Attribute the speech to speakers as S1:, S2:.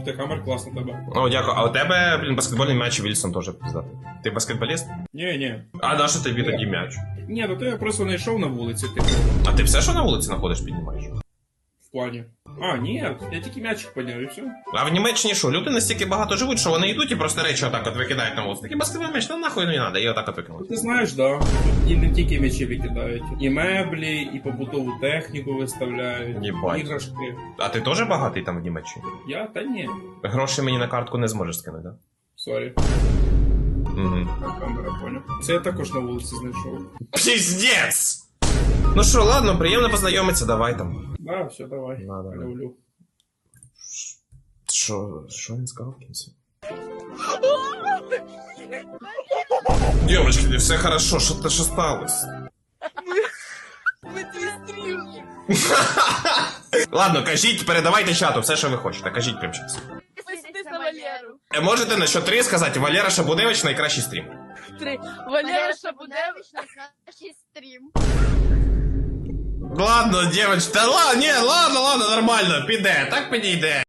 S1: Ух ти, камер класно тебе.
S2: О, дякую. А у тебе, блін, баскетбольний м'яч Вільсон теж пиздатий. Ти баскетболіст?
S1: Ні.
S2: А на що тобі тоді м'яч?
S1: Ні, то я просто не йшов на вулиці, типу.
S2: А ти все, що на вулиці знаходиш, піднімаєш?
S1: В плані. А, ні, я тільки м'ячик підняв і все.
S2: А в Німеччині що, люди настільки багато живуть, що вони йдуть і просто речі отак от викидають на вулицю. Такий баскетбольний м'яч, ну нахуй не треба, і отак от викинуть.
S1: Ти знаєш, да. Тут і не тільки м'ячі викидають. І меблі, і побутову техніку виставляють.
S2: Єбать.
S1: Іграшки.
S2: А ти теж багатий там в Німеччині?
S1: Я? Та ні.
S2: Гроші мені на картку не зможеш скинути, да?
S1: Сорі.
S2: Угу.
S1: Камера, поняв. Це я також на вулиці знайшов.
S2: Пиздец! Ну що, ладно, приємно познайомитися, давай там.
S1: Да, все, давай.
S2: Да.
S1: Люблю.
S2: Що він сказав в кінці? Девочки, все хорошо, що сталося?
S3: Ми твій стрім.
S2: Ладно, кажіть, передавайте чату, все, що ви хочете, кажіть прямо зараз.
S3: Підписуйтесь на Валеру.
S2: Можете на що 3 сказати, Валера Шабудевич найкращий стрім.
S3: 3. Валера Шабудевич.
S4: Найкращий стрім.
S2: Ладно, девочки, та ладно, ладно, нормально, піде, так підійде.